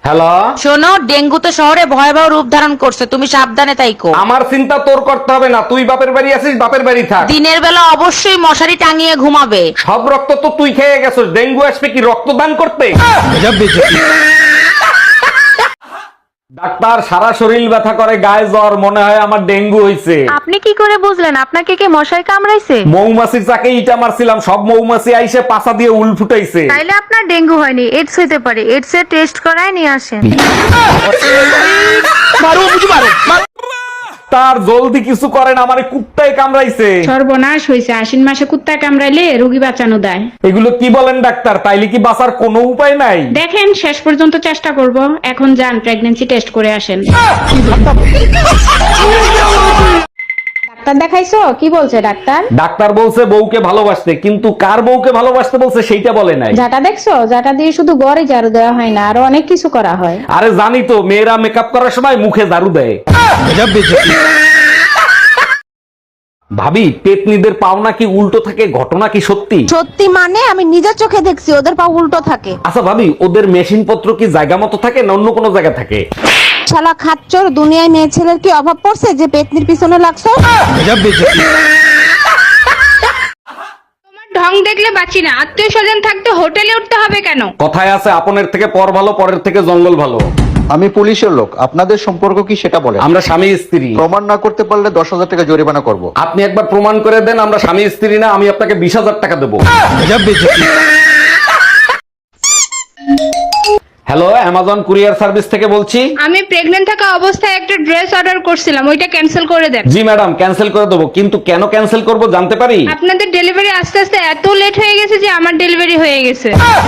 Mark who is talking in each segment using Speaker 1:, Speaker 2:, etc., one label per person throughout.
Speaker 1: Hello,
Speaker 2: শোনো, dengue তো শহরে ভয়াবহ রূপ ধারণ করছে, তুমি সাবধানে তাইকো।
Speaker 1: আমার চিন্তা তোর করতে হবে না, তুই বাপের বাড়ি আছিস, বাপের বাড়ি থাক।
Speaker 2: দিনের বেলা অবশ্যই মশারি টাঙিয়ে ঘুমাবে।
Speaker 1: সব রক্ত তো তুই খেয়ে গেছিস, ডেঙ্গু আসবে কি রক্তদান করতে? ডাক্তার, সারা শরীর ব্যথা করে, গায়ে জ্বর, মনে হয় আমার ডেঙ্গু হইছে।
Speaker 3: আপনি কি করে বুঝলেন আপনাকে কে মশাই কামড়াইছে?
Speaker 1: মৌমাছির চাকে ইটা মারছিলাম, সব মৌমাছি আইসে পাছা দিয়ে উল ফুটাইছে।
Speaker 3: তাইলে আপনার ডেঙ্গু হয়নি, এডস হইতে পারে। এডস এর টেস্ট করায় নিয়ে আসেন।
Speaker 1: তার জলদি কিছু করেন, আমারে কুত্তায় কামড়াইছে।
Speaker 4: সর্বনাশ হয়েছে, আশ্বিন মাসে কুত্তা কামড়াইলে রোগী বাঁচানো দেয়।
Speaker 1: এগুলো কি বলেন ডাক্তার? তাইলে কি বাঁচার কোনো উপায় নাই?
Speaker 4: দেখেন শেষ পর্যন্ত চেষ্টা করব। এখন যান প্রেগন্যান্সি টেস্ট করে আসেন। ডাক্তার দেখাইছো? কি বলছে ডাক্তার?
Speaker 1: ডাক্তার বলছে বউকে ভালোবাসতে, কিন্তু কার বউকে ভালোবাসতে বলছে সেইটা বলে নাই।
Speaker 4: যাটা দেখছো, যাটা দিয়ে শুধু গড়ে ঝাড়ু দেওয়া হয় না, আরো অনেক কিছু করা হয়।
Speaker 1: আরে জানি তো, মেয়েরা মেকআপ করার সময় মুখে ঝাড়ু দেয়। ভাবি, পেতনিদের পাওনা কি উল্টো থাকে, ঘটনা কি সত্যি?
Speaker 5: সত্যি মানে আমি নিজের চোখে দেখছি ওদের পা উল্টো থাকে।
Speaker 1: আচ্ছা ভাবি, ওদের মেশিন পত্র কি জায়গা মতো থাকে না অন্য কোনো জায়গা থাকে?
Speaker 5: শালা খাচ্চর, দুনিয়ায় মেয়ে ছেলের কি অভাব পড়ছে যে পেতনির পিছনে লাগছো?
Speaker 4: ঢং দেখলে বাঁচি না, আত্মীয় স্বজন থাকতে হোটেলে উঠতে হবে কেন?
Speaker 1: কথায় আছে, আপনের থেকে পর ভালো, পরের থেকে জঙ্গল ভালো।
Speaker 6: আমি পুলিশের লোক, আপনাদের সম্পর্ক কি সেটা বলেন।
Speaker 1: আমরা স্বামী স্ত্রী।
Speaker 6: প্রমাণ না করতে পারলে 10,000 টাকা জরিমানা করব।
Speaker 1: আপনি একবার প্রমাণ করে দেন আমরা স্বামী স্ত্রী না, আমি আপনাকে 20,000 টাকা দেবো। হ্যালো, অ্যামাজন কুরিয়ার সার্ভিস থেকে বলছি।
Speaker 4: আমি প্রেগন্যান্ট থাকা অবস্থায় একটা ড্রেস অর্ডার করছিলাম, ওইটা ক্যান্সেল করে দেন।
Speaker 1: জি ম্যাডাম, ক্যান্সেল করে দেবো, কিন্তু কেন ক্যান্সেল করব জানতে পারি?
Speaker 4: আপনাদের ডেলিভারি আস্তে আস্তে এত লেট হয়ে গেছে যে আমার ডেলিভারি হয়ে গেছে।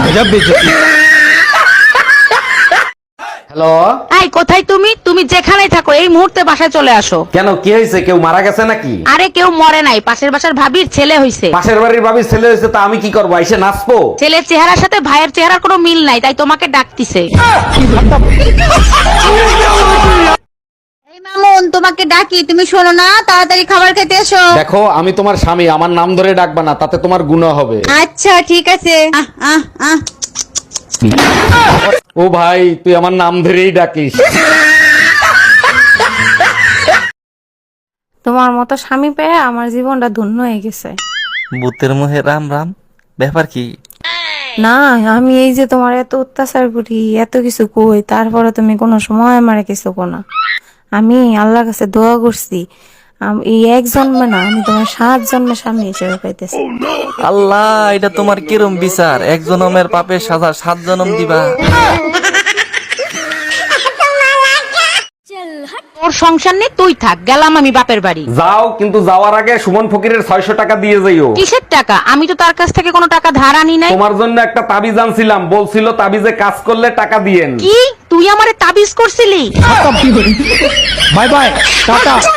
Speaker 1: হ্যালো,
Speaker 2: এই কোথায় তুমি? তুমি যেখানেই থাকো এই মুহূর্তে বাসায় চলে আসো।
Speaker 1: কেন, কি হয়েছে? কেউ মারা গেছে নাকি?
Speaker 2: আরে কেউ মরে নাই, পাশের বাসার ভাবির ছেলে হইছে।
Speaker 1: পাশের বাড়ির ভাবির ছেলে হয়েছে, তা আমি কি করবো? এসে নাচবো?
Speaker 2: ছেলের চেহারার সাথে ভাইয়ের চেহারার কোনো মিল নাই, তাই তোমাকে ডাকতিছে।
Speaker 5: এই মামুন, তোমাকে ডাকি, তুমি শোনো না, তাড়াতাড়ি খাবার খেতে এসো।
Speaker 1: দেখো, আমি তোমার স্বামী, আমার নাম ধরে ডাকবা না, তাতে তোমার গুনাহ হবে।
Speaker 5: আচ্ছা ঠিক আছে। আহ আহ আহ
Speaker 1: ও ভাই, তুই আমার নাম ধরেই ডাকিস।
Speaker 3: তোমার মতো স্বামী পেয়ে আমার জীবনটা ধন্য হয়ে গেছে।
Speaker 7: ভূতের মুহে রাম রাম, ব্যাপার কি?
Speaker 3: না, আমি এই যে তোমার এত অত্যাচার করি, এত কিছু কই, তারপরে তুমি কোনো সময় আমারে কিছু কো না। আমি আল্লাহর কাছে দোয়া করছি, এই এক জন্মে না, আমি তোমার 7 জন্মে স্বামী হিসেবে পাইতেছি।
Speaker 7: আল্লাহ, এটা তোমার কিরম বিচার? এক জনমের পাপের সাজা 7 জনম দিবা?
Speaker 2: তোর সংসার নেই, তুই থাক, গেলাম আমি বাপের বাড়ি।
Speaker 1: যাও, কিন্তু যাওয়ার আগে সুমন ফকিরের 600 টাকা দিয়ে যাইও।
Speaker 2: কিসের টাকা? আমি তো তার কাছ থেকে কোনো টাকা ধার আনি নাই।
Speaker 1: তোমার জন্য একটা তাবিজ আনছিলাম, বলছিল তাবিজে কাজ করলে টাকা দিয়েন।
Speaker 2: কি তুই আমারে তাবিজ করছিলি?
Speaker 1: Bye bye, tata.